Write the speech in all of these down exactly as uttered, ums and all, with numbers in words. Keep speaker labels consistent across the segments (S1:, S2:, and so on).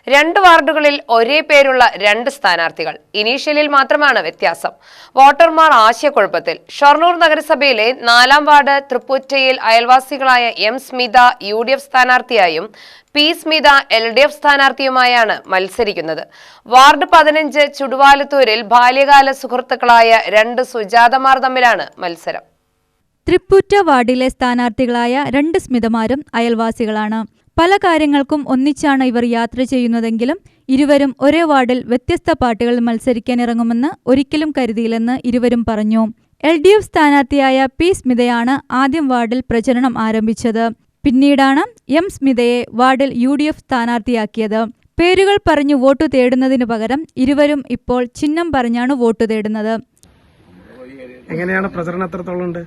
S1: രണ്ട് വാർഡുകളിൽ ഒരേ പേരുള്ള രണ്ട് സ്ഥാനാർത്ഥികൾ. ഇനീഷ്യലിൽ മാത്രമാണ് വ്യത്യാസം. വോട്ടർമാർ ആശയക്കുഴപ്പത്തിൽ. ഷൊർണൂർ നഗരസഭയിലെ നാലാം വാർഡ് തൃപ്പൂറ്റയിൽ അയൽവാസികളായ M Smitha U D F സ്ഥാനാർത്ഥിയായും P Smitha L D F സ്ഥാനാർത്ഥിയുമായാണ് മത്സരിക്കുന്നത്. വാർഡ് പതിനഞ്ച് ചുടുവാലത്തൂരിൽ ബാല്യകാല സുഹൃത്തുക്കളായ രണ്ട് സുജാതമാർ തമ്മിലാണ് മത്സരം.
S2: തൃപ്പൂറ്റ വാർഡിലെ സ്ഥാനാർത്ഥികളായ രണ്ട് സ്മിതമാരും അയൽവാസികളാണ്. പല കാര്യങ്ങൾക്കും ഒന്നിച്ചാണ് ഇവർ യാത്ര ചെയ്യുന്നതെങ്കിലും ഇരുവരും ഒരേ വാർഡിൽ വ്യത്യസ്ത പാർട്ടികളിൽ മത്സരിക്കാനിറങ്ങുമെന്ന് ഒരിക്കലും കരുതിയില്ലെന്ന് ഇരുവരും പറഞ്ഞു. എൽ ഡി എഫ് സ്ഥാനാർത്ഥിയായ പി സ്മിതയാണ് ആദ്യം വാർഡിൽ പ്രചരണം ആരംഭിച്ചത്. പിന്നീടാണ് എം സ്മിതയെ വാർഡിൽ യു ഡി എഫ് സ്ഥാനാർത്ഥിയാക്കിയത്. പേരുകൾ പറഞ്ഞു വോട്ടു തേടുന്നതിനു പകരം ഇരുവരും ഇപ്പോൾ ചിഹ്നം പറഞ്ഞാണ് വോട്ടു തേടുന്നത്.
S3: എങ്ങനെയാണ് പ്രചരണം എത്രത്തോളം ഉണ്ട്?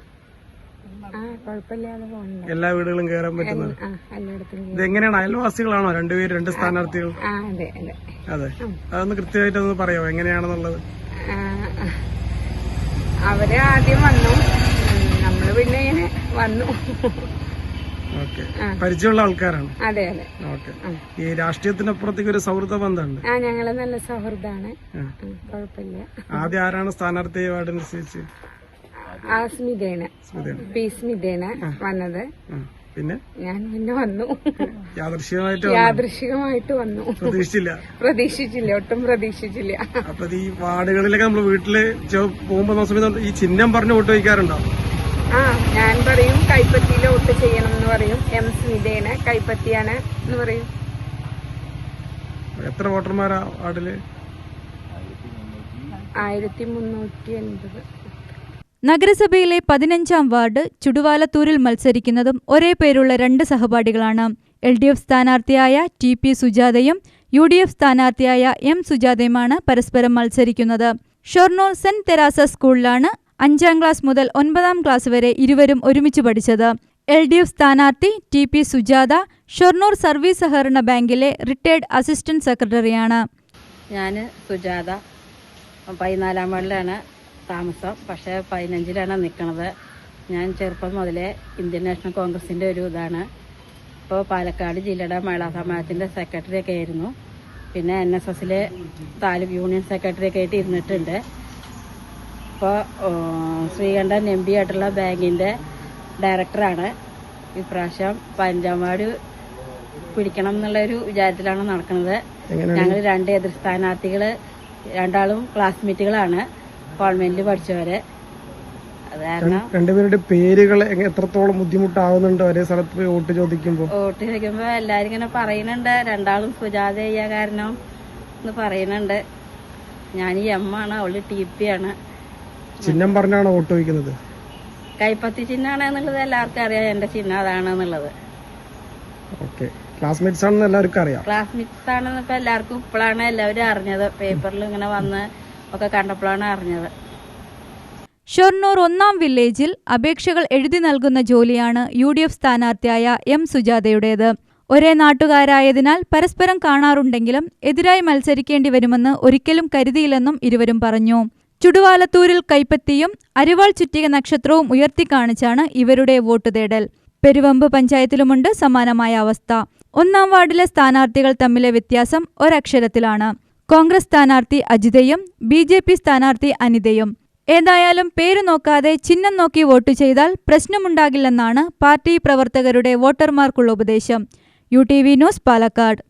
S3: എല്ലാ വീടുകളും കയറാൻ പറ്റുന്നത്? ഇത് എങ്ങനെയാണ്? അയൽവാസികളാണോ രണ്ടുപേരും, രണ്ട് സ്ഥാനാർത്ഥികൾ? അതെ, അതൊന്ന് കൃത്യമായിട്ട് ഒന്ന് പറയാമോ എങ്ങനെയാണെന്നുള്ളത്?
S4: അവര് ആദ്യം വന്നു, നമ്മള് പിന്നെ ഇങ്ങനെ വന്നു.
S3: ഓക്കെ, പരിചയമുള്ള ആൾക്കാരാണ്?
S4: അതെ അതെ.
S3: ഓക്കെ, ഈ രാഷ്ട്രീയത്തിനപ്പുറത്തേക്ക് ഒരു സൗഹൃദ ബന്ധമുണ്ട്?
S4: ആ, ഞങ്ങള് നല്ല സൗഹൃദമാണ്, കുഴപ്പമില്ല.
S3: ആദ്യം ആരാണ് സ്ഥാനാർത്ഥി വാർഡനുസരിച്ച്?
S4: ആ സ്മിതേന, പി സ്മിതേന വന്നത്.
S3: പിന്നെ
S4: ഞാൻ പിന്നെ വന്നു,
S3: യാദൃശ്ചികമായിട്ട്
S4: യാദൃശികമായിട്ട് വന്നു.
S3: പ്രതീക്ഷിച്ചില്ല? പ്രതീക്ഷിച്ചില്ല,
S4: ഒട്ടും പ്രതീക്ഷിച്ചില്ല.
S3: അപ്പൊ ഈ വാർഡുകളിലൊക്കെ നമ്മള് വീട്ടില് പോകുമ്പോ സമയത്ത് ഈ ചിഹ്നം പറഞ്ഞ് വോട്ട് വയ്ക്കാറുണ്ടോ?
S4: ആ, ഞാൻ പറയും കൈപ്പത്തിയില് വോട്ട് ചെയ്യണം എന്ന് പറയും. എം സ്മിതേന കൈപ്പത്തിയാണ് എന്ന് പറയും.
S3: എത്ര വോട്ടർമാരാ വാർഡില്?
S4: ആയിരത്തി മുന്നൂറ്റി എൺപത്.
S2: നഗരസഭയിലെ പതിനഞ്ചാം വാർഡ് ചുടുവാലത്തൂരിൽ മത്സരിക്കുന്നതും ഒരേ പേരുള്ള രണ്ട് സഹപാഠികളാണ്. എൽ ഡി എഫ് സ്ഥാനാർത്ഥിയായ ടി പി സുജാതയും യു ഡി എഫ് സ്ഥാനാർത്ഥിയായ എം സുജാതയുമാണ് പരസ്പരം മത്സരിക്കുന്നത്. ഷൊർണൂർ സെന്റ് തെരാസ സ്കൂളിലാണ് അഞ്ചാം ക്ലാസ് മുതൽ ഒൻപതാം ക്ലാസ് വരെ ഇരുവരും ഒരുമിച്ച് പഠിച്ചത്. എൽ ഡി എഫ് സ്ഥാനാർത്ഥി T P Sujatha Shoranur service സഹകരണ ബാങ്കിലെ റിട്ടയർഡ് അസിസ്റ്റന്റ് സെക്രട്ടറിയാണ്.
S5: ഞാൻ സുജാത, പതിനാലാം വാർഡിലാണ് താമസം, പക്ഷേ പതിനഞ്ചിലാണ് നിൽക്കുന്നത്. ഞാൻ ചെറുപ്പം മുതലേ ഇന്ത്യൻ നാഷണൽ കോൺഗ്രസിൻ്റെ ഒരു ഇതാണ്. ഇപ്പോൾ പാലക്കാട് ജില്ലയുടെ മഹിളാ സമാജത്തിൻ്റെ സെക്രട്ടറി ഒക്കെ ആയിരുന്നു. പിന്നെ എൻ എസ് എസിലെ താലൂക്ക് യൂണിയൻ സെക്രട്ടറി ഒക്കെ ആയിട്ട് ഇരുന്നിട്ടുണ്ട്. ഇപ്പോൾ ശ്രീകണ്ഠൻ എം പി ആയിട്ടുള്ള ബാങ്കിൻ്റെ ഡയറക്ടറാണ്. ഇപ്രാവശ്യം പതിനഞ്ചാം വാർഡ് പിടിക്കണം എന്നുള്ളൊരു വിചാരത്തിലാണ് നടക്കുന്നത്. ഞങ്ങൾ രണ്ട് എതിർ സ്ഥാനാർത്ഥികൾ, രണ്ടാളും ക്ലാസ്മേറ്റുകളാണ്, കോൺവെന്റിൽ പഠിച്ചവര്. അത് കാരണം
S3: രണ്ടുപേരുടെ പേരുകൾ എത്രത്തോളം ബുദ്ധിമുട്ടാവുന്നുണ്ട് ഒരേ സ്ഥലത്ത് പോയി വോട്ട് ചോദിക്കുമ്പോ?
S5: വോട്ട് ചോദിക്കുമ്പോ എല്ലാരും ഇങ്ങനെ പറയുന്നുണ്ട്, രണ്ടാളും സുജാത ചെയ്യാ കാരണം എന്ന് പറയുന്നുണ്ട്. ഞാൻ ഈ എം ആണ്, അവള് ടി പി ആണ്.
S3: ചിഹ്നം പറഞ്ഞാണോ വോട്ട് ചോദിക്കുന്നത്?
S5: കൈപ്പത്തി ചിഹ്നാണ് എന്നുള്ളത് എല്ലാവർക്കും അറിയാം, എന്റെ ചിഹ്നം അതാണെന്നുള്ളത്.
S3: ഓക്കെ, ക്ലാസ്മേറ്റ്സ് ആണെന്ന് എല്ലാവർക്കും അറിയാം.
S5: ക്ലാസ്മേറ്റ്സ് ആണെന്ന് ഇപ്പൊ എല്ലാവർക്കും ഇപ്പോഴാണ് എല്ലാവരും അറിഞ്ഞത്. പേപ്പറിൽ ഇങ്ങനെ വന്ന് ഒക്കെ കണ്ടപ്പോഴാണ് അറിഞ്ഞത്.
S2: ഷൊർണൂർ ഒന്നാം വില്ലേജിൽ അപേക്ഷകൾ എഴുതി നൽകുന്ന ജോലിയാണ് യു ഡി എഫ് സ്ഥാനാർത്ഥിയായ എം സുജാതയുടേത്. ഒരേ നാട്ടുകാരായതിനാൽ പരസ്പരം കാണാറുണ്ടെങ്കിലും എതിരായി മത്സരിക്കേണ്ടി വരുമെന്ന് ഒരിക്കലും കരുതിയില്ലെന്നും ഇരുവരും പറഞ്ഞു. ചുടുവാലത്തൂരിൽ കൈപ്പത്തിയും അരിവാൾ ചുറ്റിക നക്ഷത്രവും ഉയർത്തിക്കാണിച്ചാണ് ഇവരുടെ വോട്ട് തേടൽ. പെരുവമ്പ് പഞ്ചായത്തിലുമുണ്ട് സമാനമായ അവസ്ഥ. ഒന്നാം വാർഡിലെ സ്ഥാനാർത്ഥികൾ തമ്മിലെ വ്യത്യാസം ഒരക്ഷരത്തിലാണ്. കോൺഗ്രസ് സ്ഥാനാർത്ഥി അജിതയും ബി ജെ പി സ്ഥാനാർത്ഥി അനിതയും. ഏതായാലും പേര് നോക്കാതെ ചിഹ്നം നോക്കി വോട്ട് ചെയ്താൽ പ്രശ്നമുണ്ടാകില്ലെന്നാണ് പാർട്ടി പ്രവർത്തകരുടെ വോട്ടർമാർക്കുള്ള ഉപദേശം. U T V news, Palakkad.